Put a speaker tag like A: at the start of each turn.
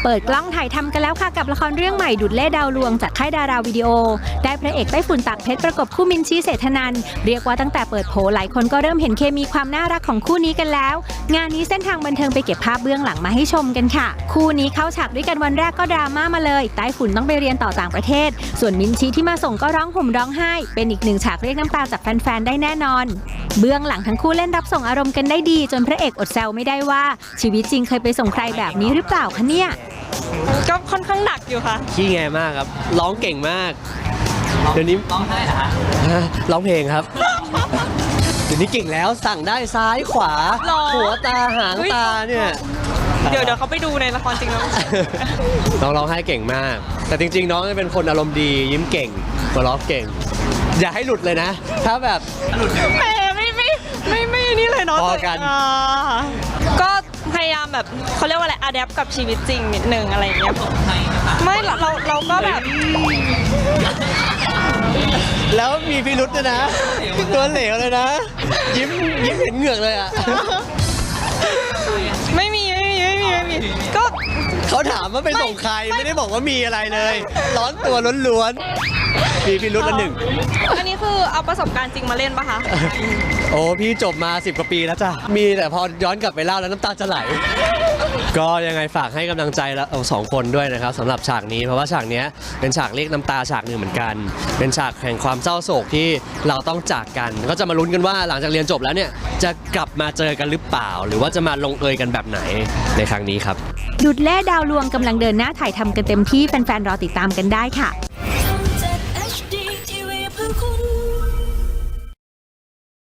A: เปิดกล้องถ่ายทำกันแล้วค่ะกับละครเรื่องใหม่ดุจเล่ดาวลวงจากค่ายดาราวิดีโอได้พระเอกไต้ฝุ่นตากเพชรประกบคู่มินชี่เศรษฐนันท์เรียกว่าตั้งแต่เปิดโผหลายคนก็เริ่มเห็นเคมีความน่ารักของคู่นี้กันแล้วงานนี้เส้นทางบันเทิงไปเก็บภาพเบื้องหลังมาให้ชมกันค่ะคู่นี้เข้าฉากด้วยกันวันแรกก็ดราม่ามาเลยไต้ฝุ่นต้องไปเรียนต่อต่างประเทศส่วนมินชี่ที่มาส่งก็ร้องห่มร้องไห้เป็นอีกหนึ่งฉากเรียกน้ำตาจากแฟนๆได้แน่นอนเบื้องหลังทั้งคู่เล่นรับส่งอารมณ์กันได้ดีจนพระเอกอดแซวไม่ได้ว่าชีวิตจริงเคยไปส่งใครแบบนี้หรือเปล่าคะเนี่ย
B: ก็ค่อนข้างหนักอยู่ค่ะ
C: ขี้แงมากครับร้องเก่งมากเดี๋ยวนี้ร้องได้เหรอฮะร้องเพลงครับเดี๋ยวนี้เก่งแล้วสั่งได้ซ้ายขวาหัวตาหางตาเนี่ย
B: เดี๋ยวเขาไปดูในละครจริงแล้ว
C: น้องร้องไห้เก่งมากแต่จริงๆน้องเป็นคนอารมณ์ดียิ้มเก่งหัวเราะเก่งอย่าให้หลุดเลยนะถ้าแบบหลุด
B: แหมไม่นี่เลยเนาะ
C: พอกัน
B: ก็พยายามแบบเขาเรียกว่าอะไรอะแดปกับชีวิตจริงนิดนึงอะไรอย่างเงี้ยไม่เราก็แบบ
C: แล้วมีพิรุษด้วยนะตัวเหลวเลยนะยิ้มเห็นเหงือกเลยอ่ะ
B: ไม่มีก็
C: เขาถามว่าไปส่งใครไม่ได้บอกว่ามีอะไรเลยร้อนตัวล้วนๆมีพิรุษละหนึ่ง
B: อันนี้คือเอาประสบการณ์จริงมาเล่นปะคะ
C: โอ้พี่จบมา10 กว่าปีแล้วจ้ะมีแต่พอย้อนกลับไปเล่าแล้วน้ำตาจะไหลก็ยังไงฝากให้กำลังใจแล้วสองคนด้วยนะครับสำหรับฉากนี้เพราะว่าฉากนี้เป็นฉากเรียกน้ำตาฉากหนึ่งเหมือนกันเป็นฉากแห่งความเศร้าโศกที่เราต้องจากกันก็จะมาลุ้นกันว่าหลังจากเรียนจบแล้วเนี่ยจะกลับมาเจอกันหรือเปล่าหรือว่าจะมาลงเอยกันแบบไหนในครั้งนี้ครับ
A: ดุจเล่ดาวลวงกำลังเดินหน้าถ่ายทำกันเต็มที่แฟนๆรอติดตามกันได้ค่ะ